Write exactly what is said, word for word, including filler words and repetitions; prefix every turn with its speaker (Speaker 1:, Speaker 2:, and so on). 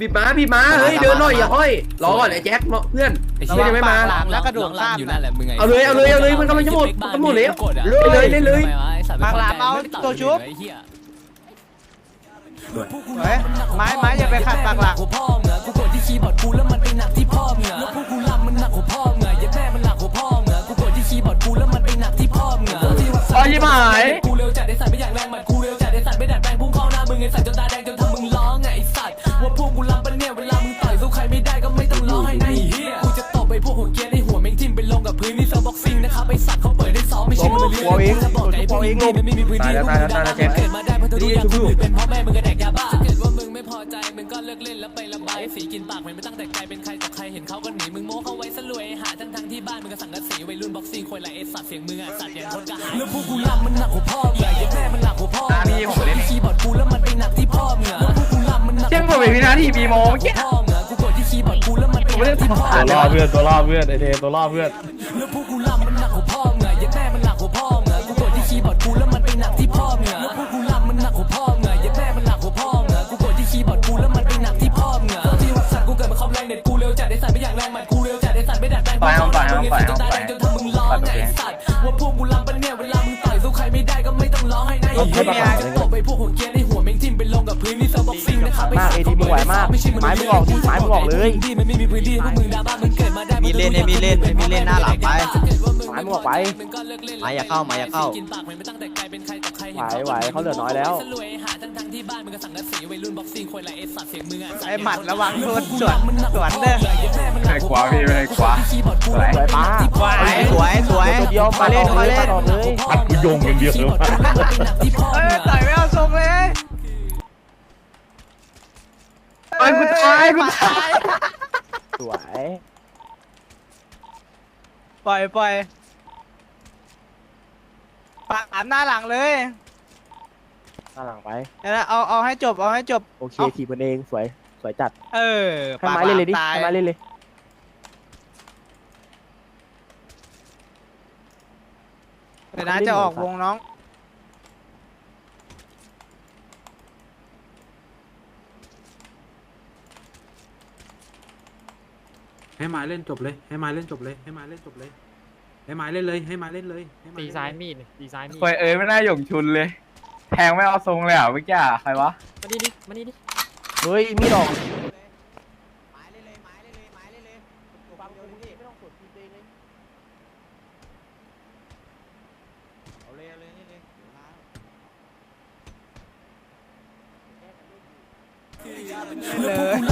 Speaker 1: บีบม้าบีบม้าเฮ้ยเดินหน่อยอย่าห้อยรอก่อนไอ้แจ็คเพื่อนเพื่อนยังไม่มา
Speaker 2: แล้วกระโดดข้ามอยู่นั่นแหละมึงไง
Speaker 1: เอาเลยเอาเลยเอาเลยมันกำลังจะหมดมันหมดแล้วเลยเลยเลย
Speaker 2: ปากหลามเอาตัวชุบไม้ไม้อย่าไปขัดปากหลามพ่อเงากูกดที่คีย์บอร์ดกูแล้วมันไปหนักที่พ่อเงาแล้วพวกกูลำมันหนักหัวพ่อเงาอย่าแม่มันหนักหัวพ่อเงากูกดที่คีย์บอร์ดกูแล้วมันไปหนักที่พ่อเงาอ๋อยิ่งหายกูเร็วจัดไอ้สัตว์ไม่อยากแรงมันกูเร็วจัดไอ้สัตว์ไม่ดัดแปลงพุ่งเข้าหน้ามึงไอ้สัตว์จนตาแดงจนทำมึงร้องไงไอ้สัตว์ว่าพวกกูลำปะเนี่ยเวลามึงต่อยสู้ใครไม่ได้ก็ไม่ต้องร้องให้ไอ้เหี้ยกูจะตบไปพวกหัวเกียร์ในหัวแม่งทิ่มไปลงกับพื้นนี่เซิร์ฟบ็อกซิ่งนะครับไอ้สัตว์เขาเปิดได้ซ้อมไม่ใช่มึงเลี้ยงจะบอกไอ้พวกนี้มันไม่มีพื้นที่พวกมึงดาราเกิดมาได้เพราะตัวอย่างคนอื่นเป็นพ่อแม่มึงก็แดกยาบ้าถ้าเกิดว่ามึงไม่พอใจมึงก็เลิกเล่นแล้วไประบายสีกินปากมันไม่ตั้งแต่ไกลเป็นใครต่อใครเห็นเขาก็หนีมึงโม้เขาไว้ซะรวยหาทั้งทั้งที่บ้านมึงก็สั่งกระสีวัยรุ่นบ็อกซิ่งควยไรเอสัตว์เสียงมึงอ่ะสัตว์อย่างคนกระหายแล้วพวกกูลำมันหนักหัวพ่อใหญ่ยัดแม่มันหนักหัวพ่อมีผมเล่นคีย์บอร์ดกูแล้วมันไปหนักที่พ่อมึงอ่ะแล้วพวกกูลำมันหนักเจ้าผมเป็นวินาทีมีโมเมื่อกี้กูกดที่คีย์บอร์ดกูแล้วมันไปหนักที่พ่อตัวล่อเพื่อนตัวล่อเพื่อนไอเทตัวล่อเพื่อนแล้วพวกกูลำมันหนักหัวพ่อมึงอ่ะยัดแม่มันหนักหัวพ่อมึงอ่ะกูกดที่คีย์บอร์ดกูแล้วมันไปหนักที่พ่อมึงอ่ะแล้วพวกกูลำมันหนักหัวพ่อมึงอ่ะยัดแม่มันหนักหัวพ่อมึงอ่ะกูกดที่คีย์บอร์ดกูแล้วมันไปหนักที่พ่อมึงอ่ะที่วัดสัตว์กูเกิดมาคอมแรงเด็ดกูเร็วจัดไอ้สัตว์ไม่อยากแรงมันกูเร็วจัดไอ้สัตว์ไม่ดัดแปลง
Speaker 3: ไปเอาไปเอาไปเอาไป
Speaker 2: จนทำมึงร้องไงสัตว์ว่าพวกกูลำปะเนี่ยเวลามึงต่อยสู้ใครไม่ได้ก็ไม่ต้องร้องให้นายเฮียจะตบไปพวกหัวเกียร์ในหัวแม่งทิ่มไปลงกับพื้นนี่เซิร์ฟบ็อกซิ่งนะครับไอ้สัตว์เขาเปิดได้ซ้อมไม่ใช่มึงเลี้ยงไม้มึงออกเลยที่มันไม่มีพื้นที่พวกมึงดราม่ามึงเกิดมาได้มีเล่นมีเล่นมีเล่นหน้าหลังไปไม้มึงออกไปไม้อย่าเข้าไม้อย่าเข้าไหวไหวเขาเหลือน้อยแล้วไอ้หมัดระวังโดนสวนสวนเด้อ
Speaker 3: ไม่ขวาพี่ไม่ขวาสวย
Speaker 1: สวยป้า
Speaker 2: สวยสวยเดียวมาเล่นมาเล่น
Speaker 3: พัดกูโยงอย่างเดียวเลย
Speaker 2: เอ้ยต่อยไม่เอาทรงเลยไอ้กูตายกูตาย
Speaker 1: สวย
Speaker 2: ปล่อยปล่อยปากหน้าหลังเลย
Speaker 1: หน้าหลังไป
Speaker 2: เอาเอาให้จบเอาให้จบ
Speaker 1: โอเคทีมันเองสวยสวยจัด
Speaker 2: เออ
Speaker 1: ให้ไม้เล่นเลยดิให้ไม้เล่นเลย
Speaker 2: เดี๋ยวนะจะออกวงน้อง
Speaker 4: ให้ไม้เล่นจบเลยให้ไม้เล่นจบเลยให้ไม้เล่นจบเลยให้ไม้เล่นเลยให้ไม้เล่นเลยตีซ้ายมีดตีซ้ายมีด
Speaker 3: ควยเอ้ยไม่น่าหย่งชุนเลยแทงไม่เอาทรงเลยอ่ะเมื่อกี้ใครวะ
Speaker 4: มาดิดิมาดิดิ
Speaker 1: เฮ้ยมีดอก
Speaker 2: ไม้เล่นเลยไม้เล่นเลยไม้เล่นเลยความเร็วดิไม่ต้องกดทีเองเลยเอาเลยเอาเลยนี่เลยเลย